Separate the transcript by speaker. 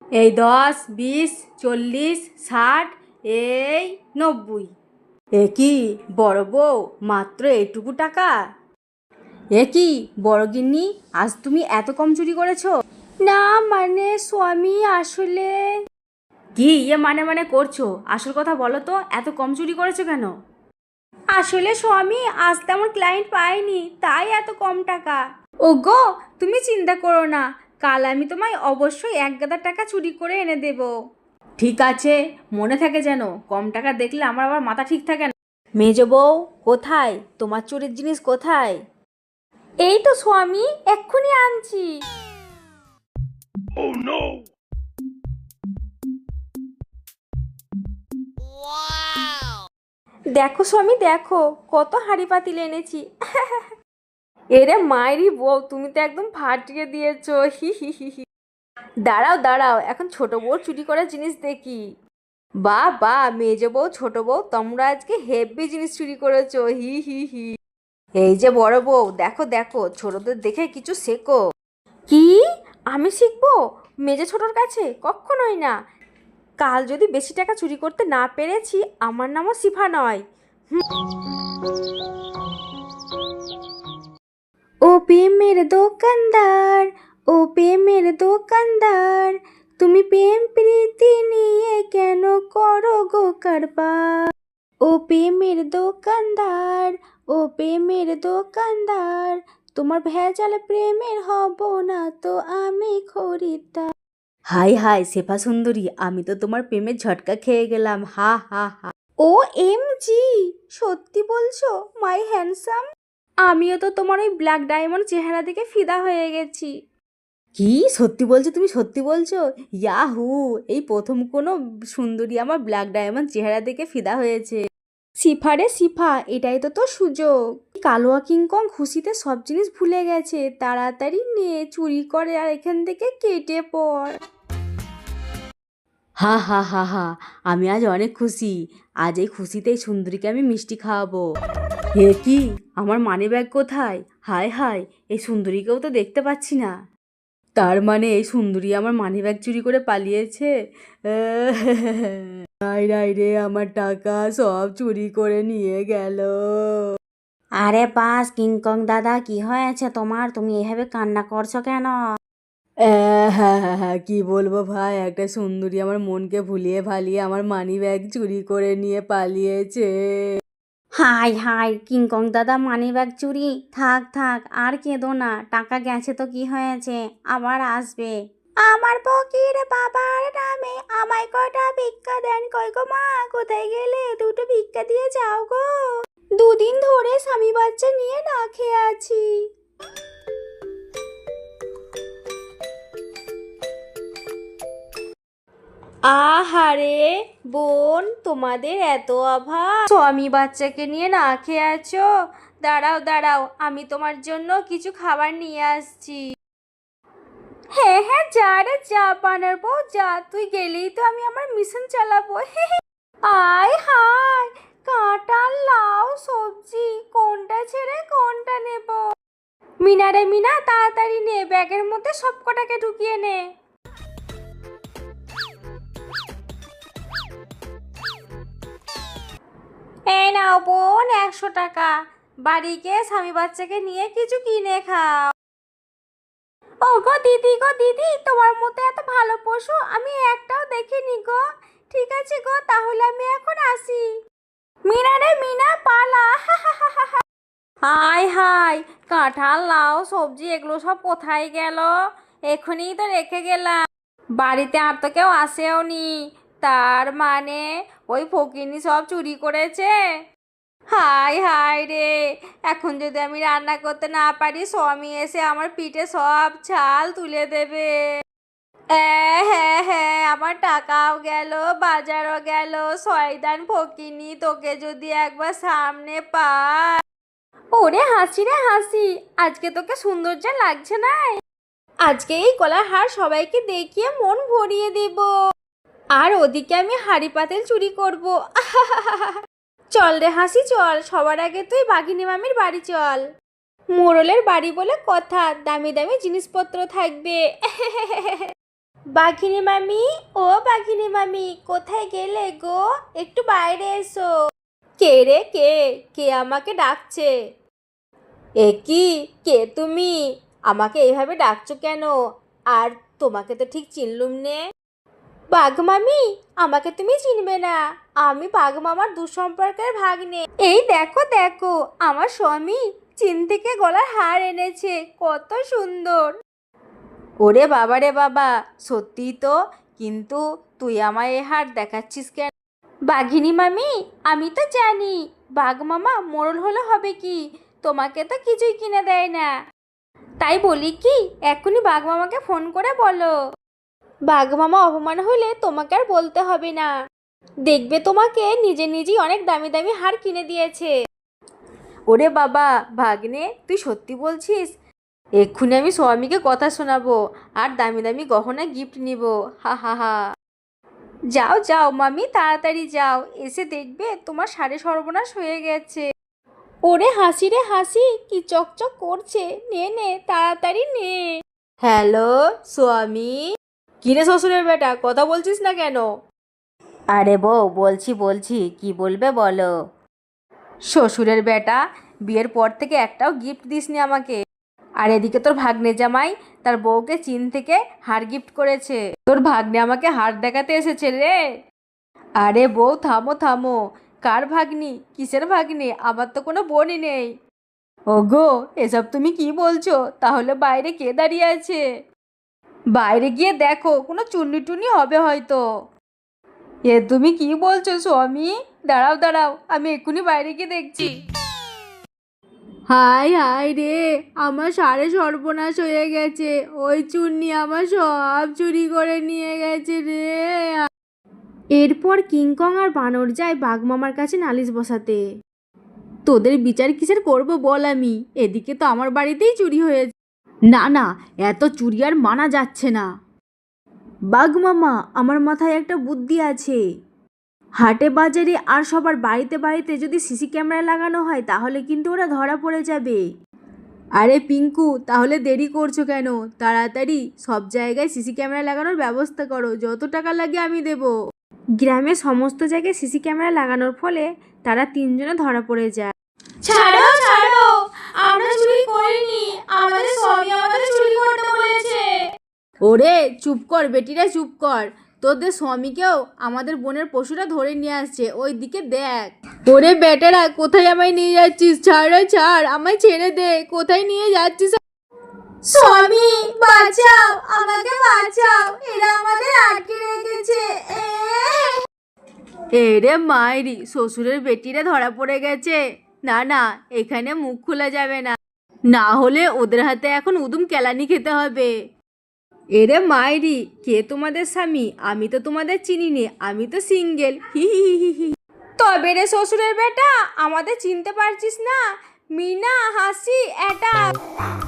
Speaker 1: এই 10, 20, 40, 60, এই 90। এ কি বড় বউ, মাত্র এইটুকু টাকা? এ কি বড় গিন্নি, আজ তুমি এত কম চুরি করেছো? না মানে স্বামী, আসলে কি মানে করছো? আসল কথা বলো তো, এত কম চুরি করেছো কেন? আসলে স্বামী, আজ তেমন ক্লায়েন্ট পাইনি, তাই এত কম টাকা। ওগো, তুমি চিন্তা করো না, কাল আমি তোমায় অবশ্যই 1 গাদা টাকা চুরি করে এনে দেব। ঠিক আছে, মনে থাকে যেন। কম টাকা দেখলে আমার আবার মাথা ঠিক থাকে না। মেজো বউ, কোথায় তোমার চুরির জিনিস কোথায়? এই তো স্বামী, এক্ষুনি আনছি। দেখো স্বামী, দেখো কত হাঁড়ি পাতিল এনেছি। এরে মায়েরই বউ, তুমি তো একদম ফাটিয়ে দিয়েছো। হি হি হি হি। দাঁড়াও দাঁড়াও, এখন ছোট বউ চুরি করার জিনিস দেখি। বা বা, মেজো বউ ছোট বউ, তোমরা আজকে হেভি জিনিস চুরি করেছো। হি হি হি। এই যে বড় বউ, দেখো দেখো, ছোটদের দেখে কিছু শেখো। কি? আমি শিখবো মেজে ছোটর কাছে? কখনোই না। কাল যদি বেশি টাকা চুরি করতে না পেরেছি, আমার নামও সিফা নয়। ও প্রেমের দোকানদার, ও প্রেমের দোকানদার, তুমি প্রেম প্রীতি নিয়ে কেন করো গো কারবার? ও প্রেমের দোকানদার, ও প্রেমের দোকানদার, তোমার ভেজাল প্রেমের হব না তো আমি খরিদ্দার। হাই হাই শেফা সুন্দরী, আমি তো তোমার প্রেমের ঝটকা খেয়ে গেলাম। হা হা হা। ও এম জি, সত্যি বলছো মাই হ্যান্ডসাম? আমিও তো তোমার ওই ব্ল্যাক ডায়মন্ড চেহারা দেখে ফিদা হয়ে গেছি। কি সত্যি বলছো? তুমি সত্যি বলছো? ইয়াহু, এই প্রথম কোনো সুন্দরী আমার ব্ল্যাক ডায়মন্ড চেহারা দেখে ফিদা হয়েছে। সিফা রে সিফা, এটাই তো তোর সুযোগ। কালোয়া কিংকং খুশিতে সব জিনিস ভুলে গেছে, তাড়াতাড়ি নে, চুরি করে আর এখান থেকে কেটে পড়। হা হা হা হা, আমি আজ অনেক খুশি। আজ এই খুশিতে এই সুন্দরীকে আমি মিষ্টি খাওয়াবো। হে কি, আমার মানি ব্যাগ কোথায়? হায় হায়, এই সুন্দরীকেও তো দেখতে পাচ্ছি না। তার মানে এই সুন্দরী আমার মানি ব্যাগ চুরি করে পালিয়েছে? নাই নাই রে, আমার টাকা সব চুরি করে নিয়ে গেল।
Speaker 2: আরে বাস, কিংকং দাদা, কি হয়েছে তোমার? তুমি এভাবে কান্না করছো কেন?
Speaker 1: হ্যাঁ হ্যাঁ হ্যাঁ, কি বলবো ভাই, একটা সুন্দরী আমার মনকে ভুলিয়ে ভালিয়ে আমার মানি ব্যাগ চুরি করে নিয়ে পালিয়েছে।
Speaker 2: হাই হাই, কিংকং দাদা মানি ব্যাগ চুরি? থাক থাক, আর কেঁদো না, টাকা গেছে তো কি হয়েছে, আবার আসবে। আমার ফকির বাবার নামে আমায় কটা ভিক্ষা দেন। কই গো মা, কোথায় গেলে? দুটো ভিক্ষা দিয়ে যাও গো। 2 দিন ধরে স্বামী বাচ্চা নিয়ে না খেয়ে আছি। আহারে বোন, তোমাদের এত অভাব, স্বামী বাচ্চাকে নিয়ে না খেয়ে আছো? দাঁড়াও দাঁড়াও, আমি তোমার জন্য কিছু খাবার নিয়ে আসছি। হ্যাঁ হ্যাঁ, যা রে যা, বানার বউ যা, তুই গেলেই তো আমি আমার মিশন চালাবো। আয় হায়, কাঁঠাল, লাউ, সবজি, কোনটা ছেড়ে কোনটা নেব? মিনা রে মিনা, তাড়াতাড়ি নে, ব্যাগের মধ্যে সব কটাকে ঢুকিয়ে নে। এই নাও বোন, 100 টাকা। বাড়ি গিয়ে স্বামী বাচ্চাকে নিয়ে কিছু কিনে খাও। ও গো দিদি, গো দিদি, তোমার মতো এত ভালো পশু আমি একটাও দেখিনি গো। ঠিক আছে গো, তাহলে আমি এখন আসি। মিনা রে মিনা, পালা। হাই হাই, কাঁঠাল, লাউ, সবজি এগুলো সব কোথায় গেল? এখনই তো রেখে গেলাম। বাড়িতে আর তো কেউ আসেও নি, তার মানে ওই ফকিনি সব চুরি করেছে। হাই হাই রে, এখন যদি আমি রান্না করতে না পারি, স্বামী এসে আমার পিঠে সব ছাল তুলে দেবে। হ্যাঁ হ্যাঁ, আমার টাকাও গেল, বাজারও গেল। শয়তান ফকিনি, তোকে যদি একবার সামনে পাই। ওরে হাসি রে হাসি, আজকে তোকে সুন্দর যা লাগছে না, আজকে এই গলার হার সবাইকে দেখিয়ে মন ভরিয়ে দেব। আর ওদিকে আমি হাঁড়ি পাতিল চুরি করব। চল রে হাসি চল, সবার আগে তুই বাঘিনী মামির বাড়ি চল। মোড়লের বাড়ি বলে কথা, দামি দামি জিনিসপত্র থাকবে। বাঘিনী মামি, ও বাঘিনী মামি, কোথায় গেলে গো? একটু বাইরে এসো। কে রে কে? কে আমাকে ডাকছে? এ কি? কে তুমি? আমাকে এইভাবে ডাকছো কেন? আর তোমাকে তো ঠিক চিনলুম নে। বাঘ মামি, আমাকে তুমি চিনবে না। আমি বাঘ মামার দুঃসম্পর্কের ভাগ্নে। এই দেখো দেখো, আমার স্বামী চীন থেকে গলার হার এনেছে, কত সুন্দর। ওরে বাবা রে বাবা, সত্যি তো। কিন্তু তুই আমায় এ হার দেখাচ্ছিস কেন? বাঘিনী মামি, আমি তো জানি বাঘ মামা মোড়ল হলে হবে কি, তোমাকে তো কিছুই কিনে দেয় না। তাই বলি কি, এখনই বাঘ মামাকে ফোন করে বলো। বাঘ মামা অপমান হলে তোমাকে আর বলতে হবে না। দেখবে তোমাকে নিজে নিজেই অনেক দামি দামি হার কিনে দিয়েছে। ওরে বাবা, ভাগ্নে তুই সত্যি বলছিস? এক্ষুনি আমি স্বামীকে কথা শোনাবো আর দামি দামি গহনা গিফট নিব। হা হা হা। যাও যাও মামি, তাড়াতাড়ি যাও, এসে দেখবে তোমার সাড়ে সর্বনাশ হয়ে গেছে। ওরে হাসি রে হাসি, কি চকচক করছে, নে নে তাড়াতাড়ি নে। হ্যালো স্বামী। কিরে শ্বশুরের বেটা, কথা বলছিস না কেন? আরে বউ, বলছি বলছি, কি বলবে বলো। শ্বশুরের বেটা, বিয়ের পর থেকে একটাও গিফট দিসনি আমাকে। আর এদিকে তোর ভাগ্নে জামাই তার বউকে চীন থেকে হার গিফট করেছে। তোর ভাগ্নে আমাকে হার দেখাতে এসেছে রে। আরে বউ, থামো থামো। কার ভাগ্নি? কিসের ভাগ্নে? আমার তো কোনো বোনই নেই। ওগো, এসব তুমি কি বলছো? তাহলে বাইরে কে দাঁড়িয়ে আছে? বাইরে গিয়ে দেখো, কোনো চুন্নি টুনি হবে হয়তো। এ তুমি কি বলছো স্বামী? দাঁড়াও দাঁড়াও, আমি এক্ষুনি বাইরে গিয়ে দেখছি। হায় হায় রে, আমার সাড়ে সর্বনাশ হয়ে গেছে। ওই চুন্নি আমার সব চুরি করে নিয়ে গেছে রে। এরপর কিংকং আর বানর যায় বাঘমামার কাছে নালিশ বসাতে। তোদের বিচার কিসের করব বল আমি? এদিকে তো আমার বাড়িতেই চুরি হয়েছে। না না, এত চুরি আর মানা যাচ্ছে না। বাঘমামা, আমার মাথায় একটা বুদ্ধি আছে। হাটে বাজারে আর সবার বাড়িতে বাড়িতে যদি সিসি ক্যামেরা লাগানো হয় তাহলে কিন্তু ওরা ধরা পড়ে যাবে। আরে পিঙ্কু, তাহলে দেরি করছো কেন? তাড়াতাড়ি সব জায়গায় সিসি ক্যামেরা লাগানোর ব্যবস্থা করো, যত টাকা লাগে আমি দেব। গ্রামে সমস্ত জায়গায় সিসি ক্যামেরা লাগানোর ফলে তারা তিনজনে ধরা পড়ে যায়। ছাড়ো ছাড়ো, আমরা চুরি করিনি, আমাদের স্বামী আমাদের চুরি করতে বলেছে। ওরে চুপ কর বেটিরা, চুপ কর। তোদের স্বামীকেও আমাদের বোনের পশুরা ধরে নিয়ে আসছে, ওই দিকে দেখ। ওরে বেটারা, কোথায় আমায় নিয়ে যাচ্ছিস? ছাড় ছাড়, আমায় ছেড়ে দে। কোথায় নিয়ে যাচ্ছিস? স্বামী বাঁচাও, আমাকে বাঁচাও, এরা আমাদের আটকে রেখেছে। এরে মায়েরি, শ্বশুরের বেটিরা ধরা পড়ে গেছে। না না, এখানে মুখ খোলা যাবে না, না হলে ওদের হাতে এখন উদুম কেলানি খেতে হবে। এরে মায়েরি, কে তোমাদের স্বামী? আমি তো তোমাদের চিনি নে, আমি তো সিঙ্গেল। হি হি হি হি। তবে রে শ্বশুরের বেটা, আমাদের চিনতে পারছিস না? মিনা হাসি এটা।